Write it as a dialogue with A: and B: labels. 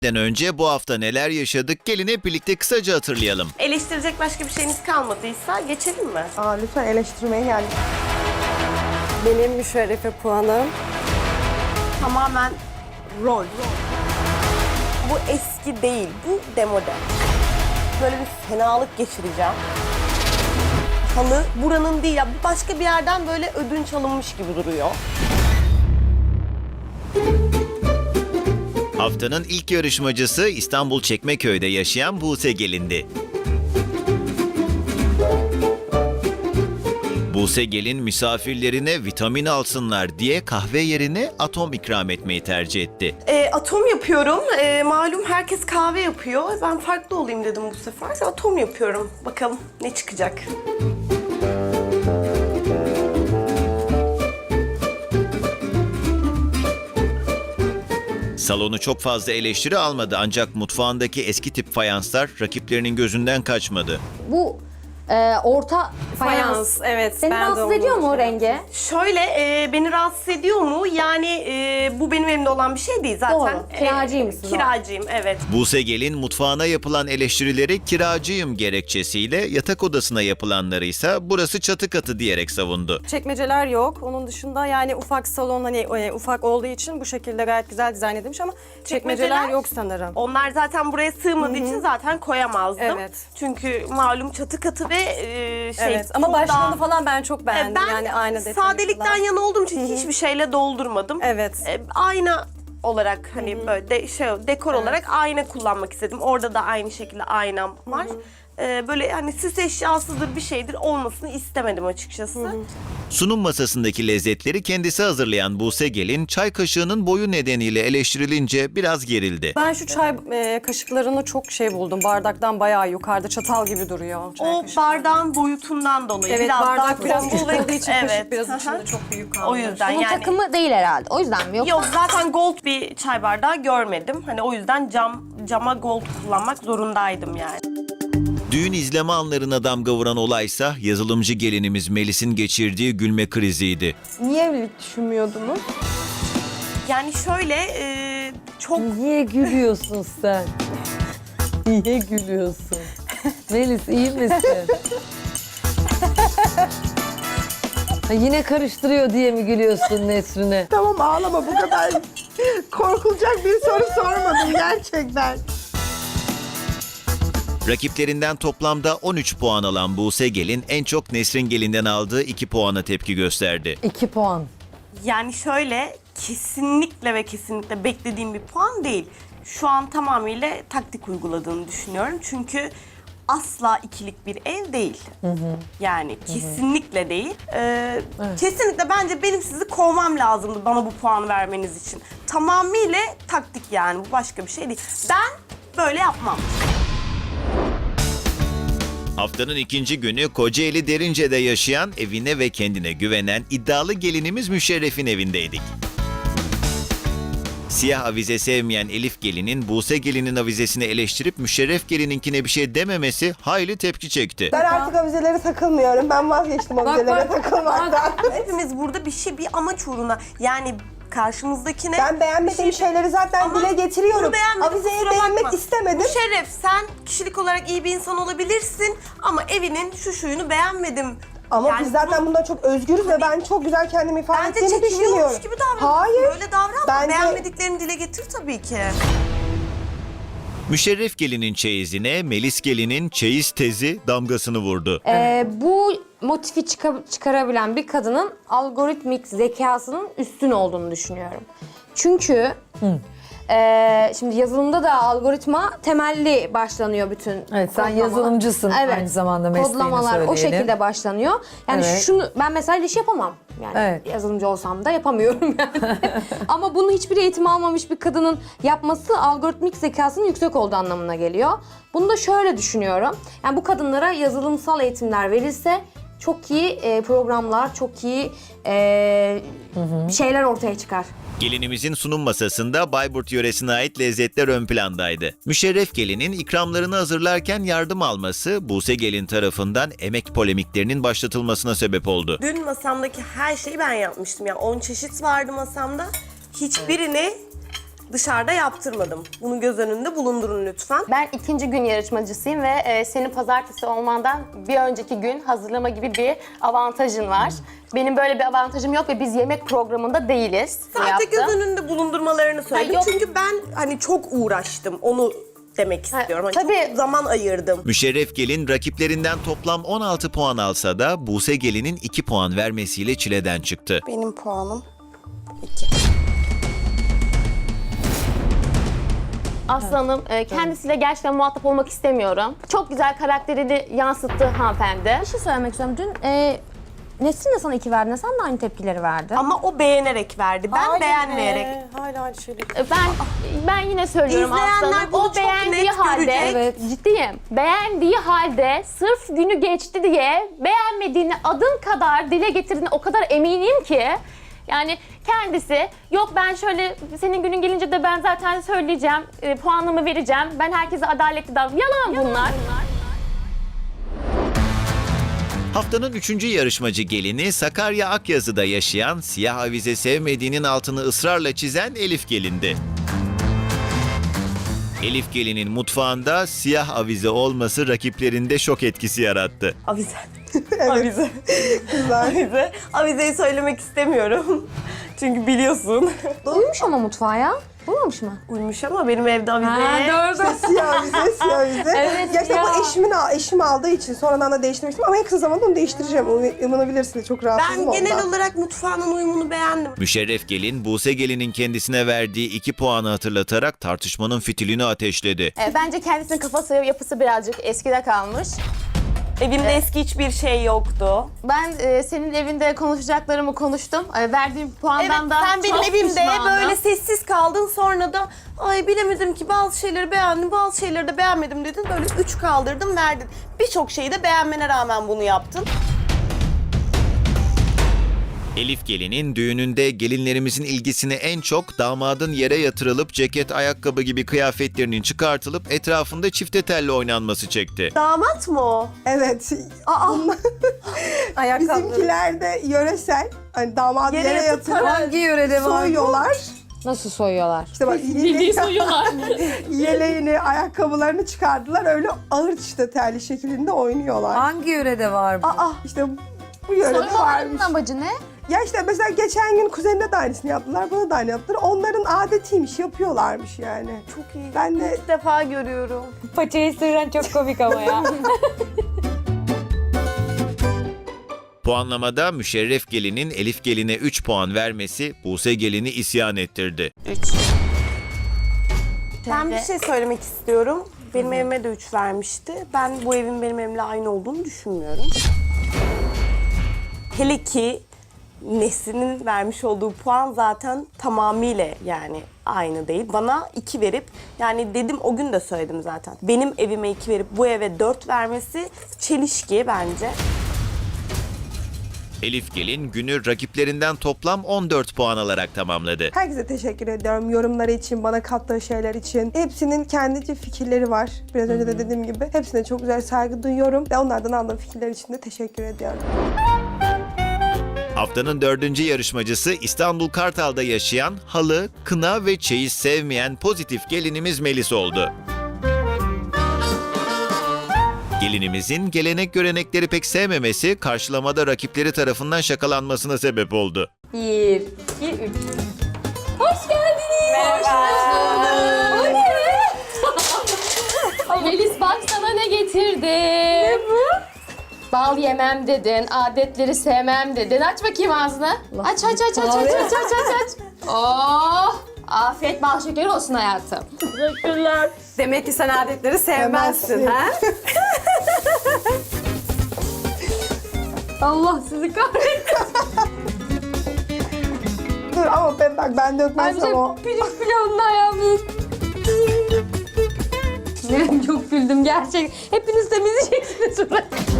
A: Önce bu hafta neler yaşadık gelin hep birlikte kısaca hatırlayalım.
B: Eleştirecek başka bir şeyiniz kalmadıysa geçelim mi?
C: Lütfen eleştirmeye geldik.
D: Benim müşerrefe puanım.
B: Tamamen rol. Bu eski değil, bu demode. Böyle bir fenalık geçireceğim. Halı buranın değil ya, başka bir yerden böyle ödünç alınmış gibi duruyor.
A: Haftanın ilk yarışmacısı İstanbul Çekmeköy'de yaşayan Buse Gelin'di. Buse Gelin misafirlerine vitamin alsınlar diye kahve yerine atom ikram etmeyi tercih etti.
B: Atom yapıyorum. Malum herkes kahve yapıyor. Ben farklı olayım dedim bu sefer. Atom yapıyorum. Bakalım ne çıkacak.
A: Salonu çok fazla eleştiri almadı ancak mutfağındaki eski tip fayanslar rakiplerinin gözünden kaçmadı.
E: Bu orta fayans.
D: Evet.
E: Seni
D: ben de
E: rahatsız
D: onu
E: ediyor mu o
D: şey
E: rengi?
B: Şöyle beni rahatsız ediyor mu? Yani bu benim elimde olan bir şey değil zaten.
E: Doğru. Kiracıymışsın.
B: Kiracıyım, evet.
A: Buse Gelin mutfağına yapılan eleştirileri kiracıyım gerekçesiyle, yatak odasına yapılanları ise burası çatı katı diyerek savundu.
D: Çekmeceler yok. Onun dışında yani ufak salon hani ufak olduğu için bu şekilde gayet güzel dizayn edilmiş ama çekmeceler yok sanırım.
B: Onlar zaten buraya sığmadığı için zaten koyamazdım.
D: Evet.
B: Çünkü malum çatı katı ve
D: Evet ama
B: çok
D: başlığını
B: daha-
D: falan ben çok beğendim.
B: Ben
D: yani ayna detayı
B: sadelikten
D: falan.
B: yana olduğum için hiçbir şeyle doldurmadım.
D: Evet.
B: Ayna olarak hani böyle dekor olarak ayna kullanmak istedim. Orada da aynı şekilde aynam var. Böyle hani süs eşyasıdır bir şeydir olmasını istemedim açıkçası.
A: Sunum masasındaki lezzetleri kendisi hazırlayan Buse Gelin, çay kaşığının boyu nedeniyle eleştirilince biraz gerildi.
D: Ben şu çay kaşıklarını çok buldum. Bardaktan bayağı yukarıda çatal gibi duruyor. Çay
B: O
D: kaşıkları.
B: bardağın boyutundan dolayı
D: Evet
B: biraz
D: bardak
B: daha
D: biraz
B: tombul
D: küçük
B: ve
D: olduğu için
B: evet.
D: kaşık biraz
B: Hı hı.
D: içinde çok büyük kaldı.
B: O yüzden
E: Bunun
B: yani.
E: takımı değil herhalde. O yüzden mi? Yoksa
B: Yok zaten gold bir çay bardağı görmedim. Hani o yüzden cama gold kullanmak zorundaydım yani.
A: Düğün izleme anlarına damga vuran olaysa yazılımcı gelinimiz Melis'in geçirdiği gülme kriziydi.
C: Niye evlilik düşünmüyordunuz?
B: Yani şöyle çok
F: Niye gülüyorsun sen? Niye gülüyorsun? Melis iyi misin? Ha, yine karıştırıyor diye mi gülüyorsun Nesrin'e?
C: Tamam ağlama, bu kadar korkulacak bir soru sormadım gerçekten.
A: Rakiplerinden toplamda 13 puan alan Buse Gelin en çok Nesrin Gelin'den aldığı 2 puana tepki gösterdi.
F: 2 puan.
B: yani şöyle kesinlikle ve kesinlikle beklediğim bir puan değil. Şu an tamamıyla taktik uyguladığını düşünüyorum. Çünkü asla ikilik bir ev değil. Yani kesinlikle değil. Kesinlikle bence benim sizi kovmam lazımdı bana bu puanı vermeniz için. Tamamıyla taktik yani, bu başka bir şey değil. Ben böyle yapmam.
A: Haftanın ikinci günü Kocaeli Derince'de yaşayan, evine ve kendine güvenen iddialı gelinimiz Müşerref'in evindeydik. Siyah avize sevmeyen Elif Gelin'in Buse Gelin'in avizesini eleştirip Müşerref Gelin'inkine bir şey dememesi hayli tepki çekti.
C: Ben artık avizelere takılmıyorum. Ben vazgeçtim avizelere takılmaktan.
B: Hepimiz burada bir amaç uğruna, yani karşımızdakine...
C: Ben beğenmediğim şeyleri zaten
B: Ama
C: dile getiriyorum.
B: bunu beğenmedim,
C: Avizeyi
B: kusura
C: beğenmek
B: bakma.
C: istemedim.
B: Müşerref, sen kişilik olarak iyi bir insan olabilirsin ama evinin şu şuyunu beğenmedim.
C: Ama
B: Yani
C: biz zaten
B: bunu-
C: bundan çok özgürüz ve ben çok güzel kendimi ifade
B: Bence
C: ettiğimi düşünüyorum.
B: çekiniyormuş gibi davran.
C: Hayır.
B: Böyle davranma.
C: Bence-
B: Beğenmediklerini dile getir tabii ki.
A: Müşerref Gelin'in çeyizine Melis Gelin'in çeyiz tezi damgasını vurdu.
E: bu motifi çıkarabilen bir kadının algoritmik zekasının üstün olduğunu düşünüyorum. Çünkü şimdi yazılımda da algoritma temelli başlanıyor bütün
F: Evet, sen
E: kodlama.
F: yazılımcısın aynı zamanda, mesleğini
E: Kodlamalar o
F: söyleyelim.
E: şekilde başlanıyor. Yani
F: Evet.
E: şunu ben mesela iş yapamam. Yani
F: Evet.
E: yazılımcı olsam da yapamıyorum yani. Ama bunu hiçbir eğitim almamış bir kadının yapması algoritmik zekasının yüksek olduğu anlamına geliyor. Bunu da şöyle düşünüyorum. Yani bu kadınlara yazılımsal eğitimler verilse çok iyi programlar, çok iyi şeyler ortaya çıkar.
A: Gelinimizin sunum masasında Bayburt yöresine ait lezzetler ön plandaydı. Müşerref Gelin'in ikramlarını hazırlarken yardım alması Buse Gelin tarafından emek polemiklerinin başlatılmasına sebep oldu.
B: Dün masamdaki her şeyi ben yapmıştım. Yani 10 çeşit vardı masamda. Hiçbirini dışarıda yaptırmadım. Bunu göz önünde bulundurun lütfen.
G: Ben ikinci gün yarışmacısıyım ve senin pazartesi olmandan bir önceki gün hazırlama gibi bir avantajın var. Benim böyle bir avantajım yok ve biz yemek programında değiliz.
B: Sadece göz
G: Yaptım.
B: önünde bulundurmalarını söyledim.
G: yok.
B: Çünkü ben hani çok uğraştım. Onu demek istiyorum. Hani
G: tabii.
B: çok zaman ayırdım.
A: Müşerref Gelin rakiplerinden toplam 16 puan alsa da Buse Gelin'in 2 puan vermesiyle çileden çıktı.
B: Benim puanım 2.
G: Aslı Hanım, kendisiyle gerçekten muhatap olmak istemiyorum. Çok güzel karakterini yansıttı hanımefendi.
E: Bir şey söylemek istiyorum. Dün Nesrin de sana 2 verdi. Sen de aynı tepkileri verdin.
B: Ama o beğenerek verdi. Ben beğenmeyerek.
D: Hala aynı şeyleri.
G: Ben yine söylüyorum Aslı
B: İzleyenler
G: Hanım.
B: bunu
G: O
B: çok
G: beğendiği
B: net
G: halde,
B: görecek.
E: Evet.
G: ciddiyim. Beğendiği halde sırf günü geçti diye beğenmediğini adım kadar dile getirdiğine o kadar eminim ki. Yani kendisi yok ben şöyle senin günün gelince de ben zaten söyleyeceğim, puanımı vereceğim. Ben herkese adaletli davranıyorum. Yalan bunlar.
A: Haftanın 3. yarışmacı gelini Sakarya Akyazı'da yaşayan, siyah avize sevmediğinin altını ısrarla çizen Elif Gelin'di. Elif Gelin'in mutfağında siyah avize olması rakiplerinde şok etkisi yarattı.
B: Avize. Avize. Avize. Avizeyi söylemek istemiyorum. Çünkü biliyorsun.
E: Uyumuş ama mutfağa ya. Uyumamış mı?
B: Uyumuş ama benim evde avize.
E: doğru.
C: Siyah vize, siyah vize.
E: Evet
C: Ya işte
E: ya.
C: bu eşim aldığı için sonradan da değiştirmek istedim ama en kısa zamanda onu değiştireceğim. Umarabilirsiniz, çok rahatsızım
B: Ben genel
C: ondan.
B: olarak mutfağının uyumunu beğendim.
A: Müşerref Gelin, Buse Gelin'in kendisine verdiği 2 puanı hatırlatarak tartışmanın fitilini ateşledi.
G: Bence kendisinin kafası yapısı birazcık eskide kalmış.
B: Evimde eski hiçbir şey yoktu.
G: Ben senin evinde konuşacaklarımı konuştum. Verdiğim puandan da
B: sen benim
G: çok
B: evimde
G: pişmanım.
B: böyle sessiz kaldın, sonra da ay bilemedim ki bazı şeyleri beğendim, bazı şeyleri de beğenmedim dedin. Böyle 3 kaldırdım, verdin. Birçok şeyi de beğenmene rağmen bunu yaptın.
A: Elif Gelin'in düğününde gelinlerimizin ilgisini en çok damadın yere yatırılıp ceket, ayakkabı gibi kıyafetlerinin çıkartılıp etrafında çifte telli oynanması çekti.
B: Damat mı o?
C: Evet. Bizimkiler de yöresel. Hani damadı
B: Yere
C: yere
B: yatıp
C: yatırıp
F: Hangi yörede var bu?
C: soyuyorlar.
E: Nasıl soyuyorlar?
C: İşte bak yeleğini, ayakkabılarını çıkardılar. Öyle ağır işte terli şeklinde oynuyorlar.
F: Hangi yörede var bu?
C: İşte bu yörede varmış.
E: Soymaların amacı ne?
C: Ya işte mesela geçen gün kuzenine de aynısını yaptılar, bana da aynı yaptılar. Onların adetiymiş, yapıyorlarmış yani.
B: Çok iyi.
C: Ben de
B: İlk defa görüyorum.
E: Paçayı sıyıran çok komik ama ya.
A: Puanlamada Müşerref Gelin'in Elif Gelin'e 3 puan vermesi Buse Gelin'i isyan ettirdi.
B: Ben bir şey söylemek istiyorum. Benim evime de 3 vermişti. Ben bu evin benim evimle aynı olduğunu düşünmüyorum. Hele ki Nesrin'in vermiş olduğu puan zaten tamamıyla yani aynı değil. Bana 2 verip, yani dedim o gün de söyledim zaten. Benim evime 2 verip bu eve 4 vermesi çelişki bence.
A: Elif Gelin günü rakiplerinden toplam 14 puan alarak tamamladı.
C: herkese teşekkür ediyorum. Yorumları için, bana kattığı şeyler için. Hepsinin kendice fikirleri var. Biraz önce de dediğim gibi. Hepsine çok güzel saygı duyuyorum. Ve onlardan aldığım fikirler için de teşekkür ediyorum.
A: Haftanın 4. yarışmacısı İstanbul Kartal'da yaşayan, halı, kına ve çeyiz sevmeyen pozitif gelinimiz Melis oldu. Gelinimizin gelenek görenekleri pek sevmemesi karşılamada rakipleri tarafından şakalanmasına sebep oldu.
E: 1, 2, 3. Hoş geldiniz. Merhaba.
G: Melis bak sana ne getirdim. Ne bu? Bal yemem dedin, adetleri sevmem dedin. Aç bakayım ağzını. Aç. Oh! Afiyet bal şekeri olsun hayatım.
D: Demek ki sen adetleri sevmezsin ha?
E: Allah sizi kahretsin.
C: Dur ama ben dökmezsem o.
E: Pirinç pilavının ayağımız. Çok güldüm gerçekten. Hepiniz temizleyeceksiniz burayı.